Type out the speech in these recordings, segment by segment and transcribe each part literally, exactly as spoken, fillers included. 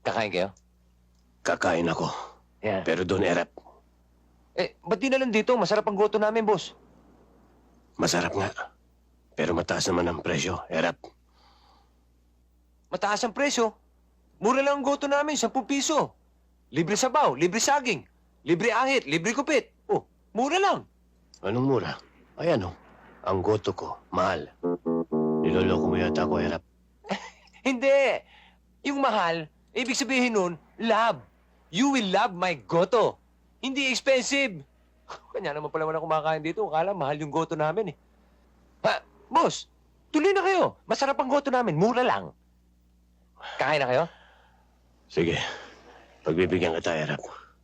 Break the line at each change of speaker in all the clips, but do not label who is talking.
Kakain kayo?
Kakain ako.
Yeah.
Pero doon, Erap,
Eh, ba't di na lang dito? Masarap ang goto namin, boss.
masarap nga. Pero mataas naman ang presyo, Erap.
Mataas ang presyo. Mura lang ang goto namin, sampung piso. Libre sabaw, libre saging, libre ahit, libre kupit. Oh, mura lang.
Anong mura? Ay ano, ang goto ko, mahal. Niloloko mo yata ako, Erap.
Hindi. Yung mahal, ibig sabihin nun, love. You will love my goto. Hindi expensive. Kanya naman pala wala kumakain dito. Akala mahal yung goto namin eh. Ha, boss, tuloy na kayo. Masarap ang goto namin, mura lang. Kain na kayo?
Sige, pagbibigyan kita, Erap.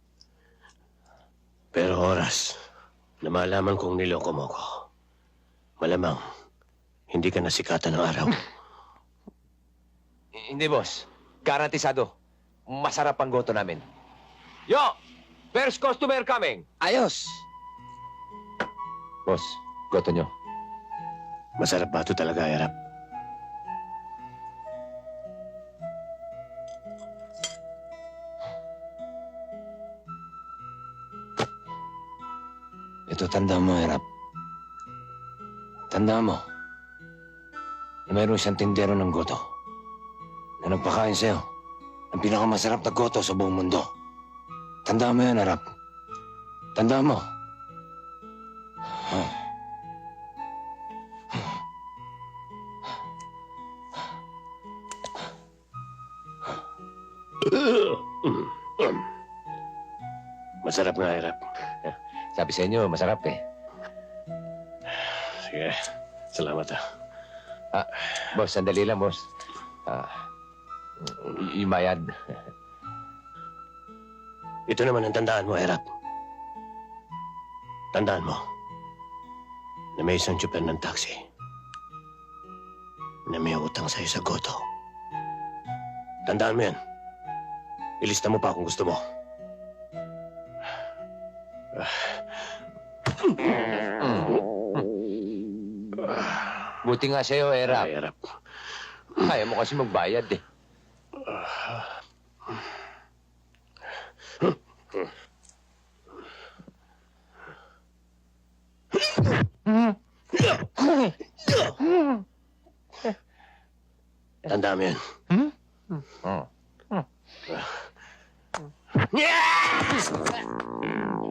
Pero oras na malaman kong niloko mo ko, malamang hindi ka nasikatan ng araw.
Eh, Hindi, boss. Garantisado. Masarap ang goto namin. Yo! First customer coming.
Ayos!
Boss, goto nyo.
Masarap ba ito talaga, Erap?
Ito, tanda mo, Erap. Tanda mo na mayroon siyang tindero ng goto na nagpakain sa'yo ng pinakamasarap na goto sa buong mundo. Tanda mo yan, Erap. Tanda mo. Huh.
Masarap nga, Erap.
Sabi sa inyo, masarap eh.
Sige, salamat ah.
Ah, boss, sandali lang, boss. Ah, y- yung bayad.
Ito naman ang tandaan mo, Erap. Tandaan mo na may isang tsuper ng taxi na may utang sa'yo sa goto. Tandaan mo yan. Ilista mo pa kung gusto mo.
Buti nga sa'yo, Erap.
Ay, Erap.
Kaya mo kasi magbayad eh.
Tandaan mo yan.
Oh.
Yeah!